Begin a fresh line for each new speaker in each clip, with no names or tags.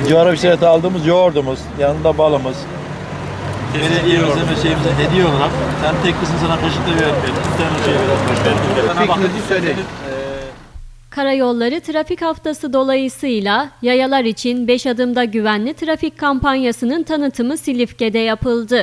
Civarı işareti aldığımız yoğurdumuz, yanında balımız. Belediyemize ve şeyimize hediye olarak sen tek kızın sana kaşıkla vermeyelim. Bir tane şey verelim.
Karayolları Trafik Haftası dolayısıyla yayalar için 5 adımda güvenli trafik kampanyasının tanıtımı Silifke'de yapıldı.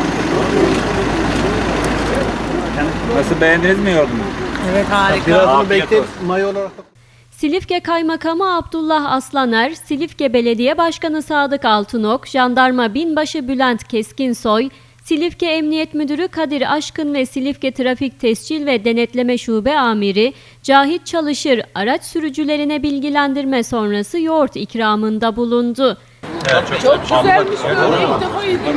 Nasıl, beğendiniz mi yoğurdumu?
Evet, harika.
Birazını bekleyip mayo olarak da...
Silifke Kaymakamı Abdullah Aslaner, Silifke Belediye Başkanı Sadık Altınok, Jandarma Binbaşı Bülent Keskinsoy, Silifke Emniyet Müdürü Kadir Aşkın ve Silifke Trafik Tescil ve Denetleme Şube Amiri Cahit Çalışır araç sürücülerine bilgilendirme sonrası yoğurt ikramında bulundu.
Çok güzelmiş böyle, ilk defa yedim.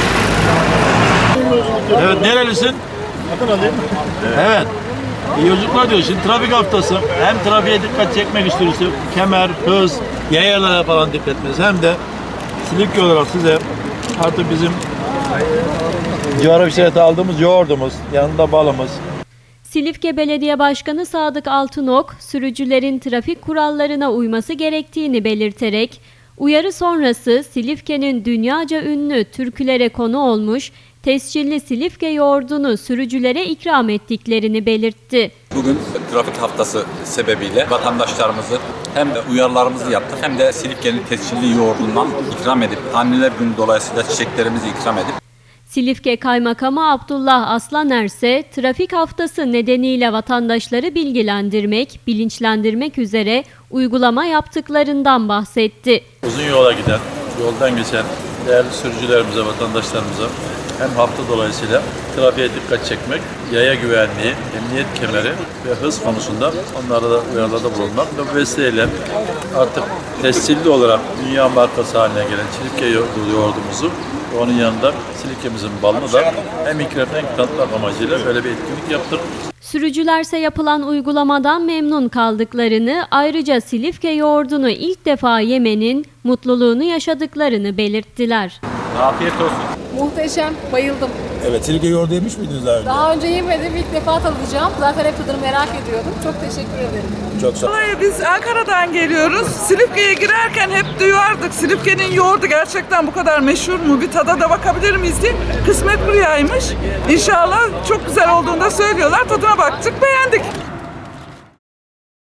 Evet, nerelisin? Evet. İyi yolculuklar diyor. Şimdi trafik haftası. Hem trafiğe dikkat çekmek istiyoruz. Kemer, hız, yayalara falan dikkat etmeniz. Hem de Silifke olarak size artık bizim civarı işareti aldığımız yoğurdumuz, yanında balımız.
Silifke Belediye Başkanı Sadık Altınok, sürücülerin trafik kurallarına uyması gerektiğini belirterek, uyarı sonrası Silifke'nin dünyaca ünlü türkülere konu olmuş tescilli Silifke yoğurdunu sürücülere ikram ettiklerini belirtti.
Bugün trafik haftası sebebiyle vatandaşlarımızı hem de uyarılarımızı yaptık hem de Silifke'nin tescilli yoğurdundan ikram edip Anneler Günü dolayısıyla çiçeklerimizi ikram edip
Silifke Kaymakamı Abdullah Aslaner ise trafik haftası nedeniyle vatandaşları bilgilendirmek, bilinçlendirmek üzere uygulama yaptıklarından bahsetti.
Uzun yola giden, yoldan geçen değerli sürücülerimize, vatandaşlarımıza hem hafta dolayısıyla trafiğe dikkat çekmek, yaya güvenliği, emniyet kemeri ve hız konusunda onlara da uyarılarda bulunmak ve bu vesileyle artık tescilli olarak dünya markası haline gelen Silifke yoğurdumuzu ve onun yanında Silifke'mizin balını da hem ikram hem tanıtmak amacıyla böyle bir etkinlik yaptık.
Sürücülerse yapılan uygulamadan memnun kaldıklarını, ayrıca Silifke yoğurdunu ilk defa yemenin mutluluğunu yaşadıklarını belirttiler.
afiyet olsun.
Muhteşem, bayıldım.
Evet, Silifke yoğurdu yemiş miydiniz daha önce?
Daha önce yemedim, ilk defa tadacağım. Zaten hep tadını merak ediyordum. Çok teşekkür ederim.
Çok sağ olun.
Vallahi biz Ankara'dan geliyoruz. Silifke'ye girerken hep duyardık. Silifke'nin yoğurdu gerçekten bu kadar meşhur mu? Bir tada da bakabilir miyiz diye. Kısmet burayaymış. İnşallah çok güzel olduğunu da söylüyorlar. Tadına baktık, beğendik.